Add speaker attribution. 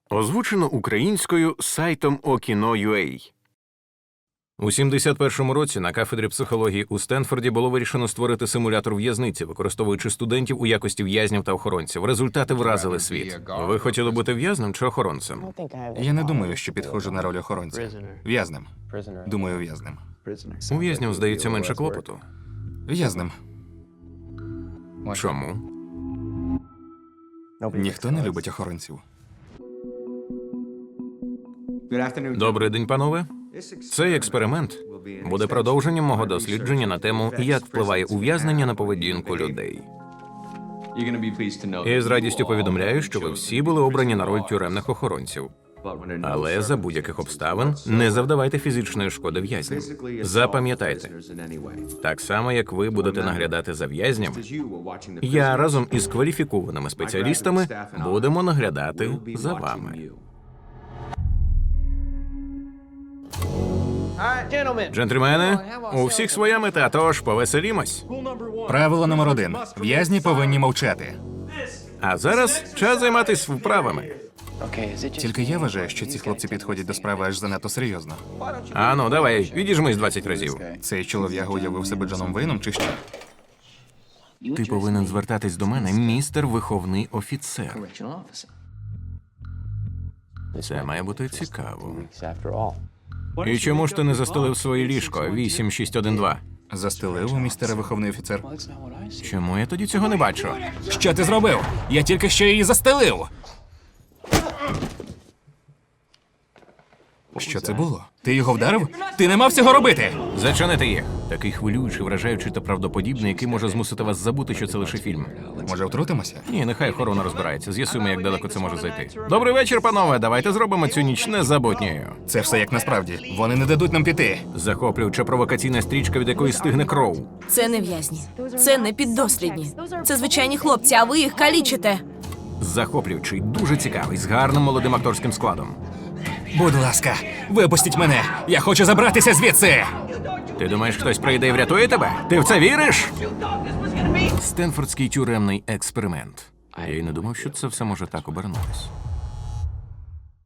Speaker 1: Озвучено українською сайтом Okino.ua. У 71-му році на кафедрі психології у Стенфорді було вирішено створити симулятор в'язниці, використовуючи студентів у якості в'язнів та охоронців. Результати вразили світ. Ви хотіли бути в'язнем чи охоронцем?
Speaker 2: Я не думаю, що підходжу на роль охоронця. В'язнем. Думаю, в'язнем.
Speaker 1: У в'язнів, здається, менше клопоту.
Speaker 2: В'язнем.
Speaker 1: Чому?
Speaker 2: Ніхто не любить охоронців.
Speaker 1: Добрий день, панове. Цей експеримент буде продовженням мого дослідження на тему, як впливає ув'язнення на поведінку людей. І з радістю повідомляю, що ви всі були обрані на роль тюремних охоронців. Але за будь-яких обставин не завдавайте фізичної шкоди в'язням. Запам'ятайте, так само, як ви будете наглядати за в'язнями, я разом із кваліфікованими спеціалістами будемо наглядати за вами. Джентльмени, у всіх своя мета, тож повеселімось.
Speaker 2: Правило номер 1. В'язні повинні мовчати.
Speaker 1: А зараз час займатися вправами.
Speaker 2: Тільки я вважаю, що ці хлопці підходять до справи аж занадто серйозно.
Speaker 1: Ану, давай, відіжмись 20 разів.
Speaker 2: Цей чолов'яга уявив себе Джоном Вейном чи що?
Speaker 1: Ти повинен звертатись до мене, містер виховний офіцер. Це має бути цікаво. І чому ж ти не застелив своє ліжко 8612?
Speaker 2: Застелив у містера виховний офіцер.
Speaker 1: Чому я тоді цього не бачу?
Speaker 2: Що ти зробив? Я тільки що її застелив. Що це було? Ти його вдарив? Ти не мав цього робити!
Speaker 1: Зачинити їх. Такий хвилюючий, вражаючий та правдоподібний, який може змусити вас забути, що це лише фільм.
Speaker 2: Може, втрутимося?
Speaker 1: Ні, нехай охорона розбирається. З'ясуємо, як далеко це може зайти. Добрий вечір, панове. Давайте зробимо цю ніч незабутньою.
Speaker 2: Це все як насправді. Вони не дадуть нам піти.
Speaker 1: Захоплююча провокаційна стрічка, від якої стигне кров.
Speaker 3: Це не в'язні. Це не піддослідні. Це звичайні хлопці, а ви їх калічите.
Speaker 1: Захоплюючий, дуже цікавий, з гарним молодим акторським складом.
Speaker 2: Будь ласка, випустіть мене! Я хочу забратися звідси!
Speaker 1: Ти думаєш, хтось прийде і врятує тебе? Ти в це віриш? Стенфордський тюремний експеримент. Я й не думав, що це все може так обернутися.